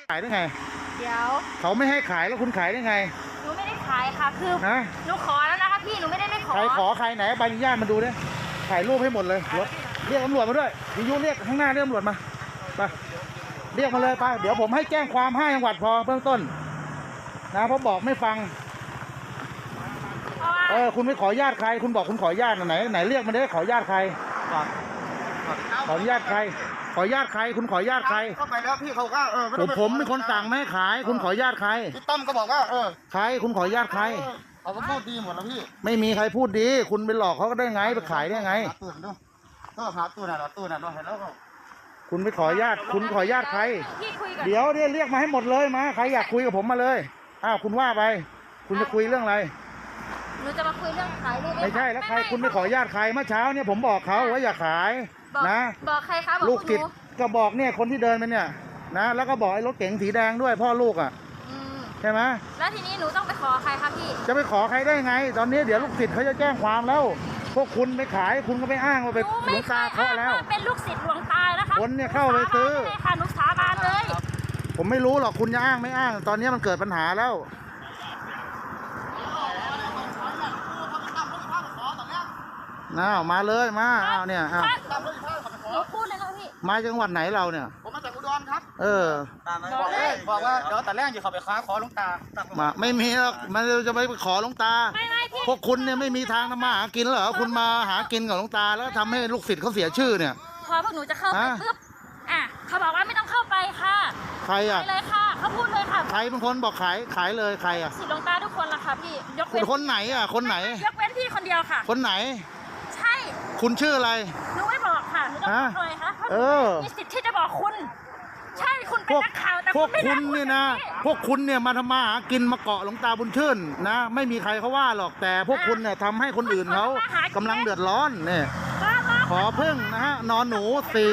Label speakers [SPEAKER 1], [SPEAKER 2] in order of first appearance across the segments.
[SPEAKER 1] ขายได้ไง
[SPEAKER 2] เดี๋ยว
[SPEAKER 1] เขาไม่ให้ขายแล้วคุณขายได้ไง
[SPEAKER 2] หนูไม่ได้ขายค่ะคือหนูขอแล้วนะคะพี่หนูไม่ได้ไม่ขอ
[SPEAKER 1] ใครขอใครไหนใบอนุญาตมาดูดิถ่ายรูปให้หมดเลยรถเรียกตำรวจมาด้วยวิทยุเรียกข้างหน้าเรียกตำรวจมาไปเรียกมาเลยไปเดี๋ยวผมให้แจ้งความ5 จังหวัดพอเบื้องต้นนะเพราะบอกไม่ฟังคุณไม่ขอญาติใครคุณบอกคุณขอญาติไหนเรียกมาได้ขอญาติใครขอญาติใครขอญาติใครคุณขอญาติใคร
[SPEAKER 3] เข้าไปแล้วพี่เขาก็
[SPEAKER 1] ผมเป็นคนสั่งไม่ให้ขายคุณขอญาติใคร
[SPEAKER 3] พี่ต้อมก็บอกว่า
[SPEAKER 1] ใครคุณขอญาติใคร
[SPEAKER 3] เขาก็พูดดีหมดแล้วพี่
[SPEAKER 1] ไม่มีใครพูดดีคุณไปหลอกเขาก็ได้ไงไปขายได้ไง
[SPEAKER 3] หาตู้ดูก็หาตู้น่ะเห็นแล้วก็
[SPEAKER 1] คุณไปขอญาติคุณขอญาติใครเดี๋ยวเรียกมาให้หมดเลยมาใครอยากคุยกับผมมาเลยคุณว่าไปคุณจะคุยเรื่องอะไร
[SPEAKER 2] หนูจะมาคุยเรื่องขายลูก
[SPEAKER 1] ไม่ใช่แล้วใครคุณไปขอญาติใครเมื่อเช้าเนี่ยผมบอกเขาว่าอย่าขายนะ
[SPEAKER 2] บอกใครคะ
[SPEAKER 1] ลูกติดก็บอกเนี่ยคนที่เดินไปเนี่ยนะแล้วก็บอกไอ้รถเก๋งสีแดงด้วยพ่อลูกใช่ไหม
[SPEAKER 2] แล้วทีนี้หนูต้องไปขอใครคะพี่
[SPEAKER 1] จะไปขอใครได้ไงตอนนี้เดี๋ยวลูกศิษย์เขาจะแจ้งความแล้วพวกคุณไปขายคุณก็ไปอ้างว่าเป็นหลวงตาเคาะแล้ว
[SPEAKER 2] เป็นลูกศิษย์หลวงตานะคะ
[SPEAKER 1] คนเนี่ยเข้าไปซื้อ
[SPEAKER 2] ค่ะหนูสาบานเลย
[SPEAKER 1] ผมไม่รู้หรอกคุณจะอ้างไม่อ้างตอนนี้มันเกิดปัญหาแล้วมาเลยมาเนี่ย
[SPEAKER 2] หนูพูดเลยนะพี่
[SPEAKER 1] มาจังหวัดไหนเราเนี่ย
[SPEAKER 3] ผมมาจากอุดรครับ
[SPEAKER 1] บอก
[SPEAKER 3] ว่าเดี๋ยวแต่แรกอยู่เขาไปขอหลวงตา
[SPEAKER 1] ไม่มีหรอกมันจะไปขอหลวงตาพวกคุณเนี่ยไม่มีทางทำมาหากินเหรอคุณมาหากินกับหลวงตาแล้วทำให้ลูกศิษย์เขาเสียชื่อเนี่ย
[SPEAKER 2] พอพวกหนูจะเข้าไปปุ๊บเขาบอกว่าไม่ต้องเข้าไปค่ะ
[SPEAKER 1] ใคร
[SPEAKER 2] ไปเลยค่ะเขาพูดเลยค่ะ
[SPEAKER 1] ใครเป็นคนบอกขายเลยใคร
[SPEAKER 2] ศิษย์หลวงตาทุกคนละค่ะพี่ยกเว้น
[SPEAKER 1] คนไหนคนไหน
[SPEAKER 2] ยกเว้นพี่คนเดียวค่ะ
[SPEAKER 1] คนไหน
[SPEAKER 2] ใช่
[SPEAKER 1] คุณชื่ออะไร
[SPEAKER 2] หนูไม่บอกค่ะหนูต้องบอกเลยค่ะมีสิทธิ์ที่จะบอกคุณใช่คุณเป็นนักข่าวแต่
[SPEAKER 1] พวกคุณเนี่ยนะพวกคุณเนี่ยมาทำมาหากินมาเกาะหลวงตาบุญชื่นนะไม่มีใครเขาว่าหรอกแต่พวกคุณเนี่ยทำให้คนอื่นเขากำลังเดือดร้อนเนี่ยขอพึ่งนะฮะนอนหนู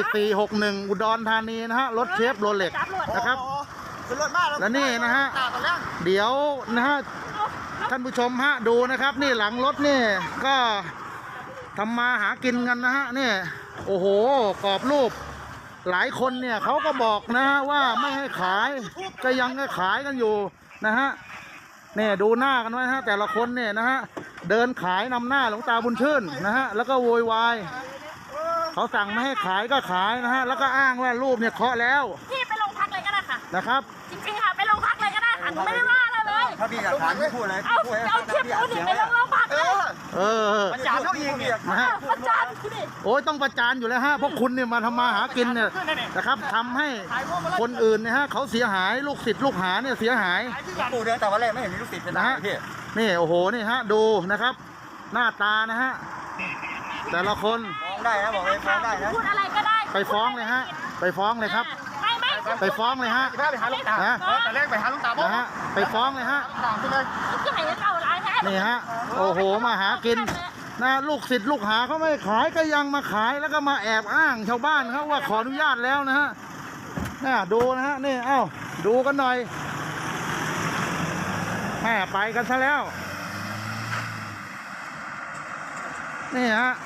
[SPEAKER 1] 4461อุดรธานีนะฮะรถเชฟโรเล็กนะครับและนี่นะฮะเดี๋ยวนะฮะท่านผู้ชมฮะดูนะครับนี่หลังรถนี่ก็ทำมาหากินกันนะฮะนี่โอ้โหกรอบรูปหลายคนเนี่ยเขาก็บอกนะฮะว่าไม่ให้ขายก็ยังให้ขายกันอยู่นะฮะเนี่ยดูหน้ากันไว้ฮะแต่ละคนเนี่ยนะฮะเดินขายนำหน้าหลวงตาบุญชื่นนะฮะแล้วก็โวยวายเขาสั่งไม่ให้ขายก็ขายนะฮะแล้วก็อ้างว่ารูปเนี่ยเคาะแล้ว
[SPEAKER 2] พี่ไปโรงพักเลยก็ได้ค่ะ
[SPEAKER 1] นะครับ
[SPEAKER 2] จริงๆค่ะไปโรงพักเลยก็ได้ค่ะหนูไม่ได้ว่าอะไรเลย
[SPEAKER 3] ถ้าพี่อยากถามไม่พูดเลย
[SPEAKER 2] เอาคลิปคุณไปโรงพักเลย
[SPEAKER 3] ประจานเขาอีกเนี่ย
[SPEAKER 2] ประจานคุณดิ
[SPEAKER 1] โอ้ยต้องประจานอยู่แล้วฮะพวกคุณเนี่ยมาทำมาหากินเนี่ยนะครับทำให้คนอื่นเนี่ยฮะเขาเสียหายลูกศิษย์ลูกหาเนี่ยเสียหาย
[SPEAKER 3] ปู่เดินแต่วันแรกไม่เห็นมีลูกศิษย์นะฮะ
[SPEAKER 1] นี่โอ้โหนี่ฮะดูนะครับหน้าตานะฮะแต่ละคน
[SPEAKER 3] ฟ้องได้นะบอกเลยฟ้องได้นะ
[SPEAKER 2] พูดอะไรก็ได้
[SPEAKER 1] ไปฟ้องเลยฮะไปฟ้องเลยครับไปฟ้องเลยฮะ
[SPEAKER 3] ไปหาลูกตาแต่แรกไปหาลูกตาบ้
[SPEAKER 1] างไปฟ้องเลยฮะนี่ฮะโอ้โหมาหากินนะลูกศิษย์ลูกหาเขาไม่ขายก็ยังมาขายแล้วก็มาแอบอ้างชาวบ้านเขาว่าขออนุญาตแล้วนะฮะนี่ดูนะฮะนี่ดูกันหน่อยแม่ไปกันซะแล้วนี่ฮะ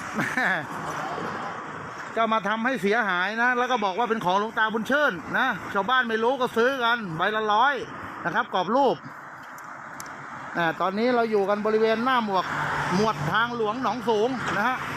[SPEAKER 1] จะมาทำให้เสียหายนะแล้วก็บอกว่าเป็นของหลวงตาบุญเชิญนะชาวบ้านไม่รู้ก็ซื้อกันใบละ100นะครับกรอบรูปตอนนี้เราอยู่กันบริเวณหน้าหมวดทางหลวงหนองสูงนะฮะ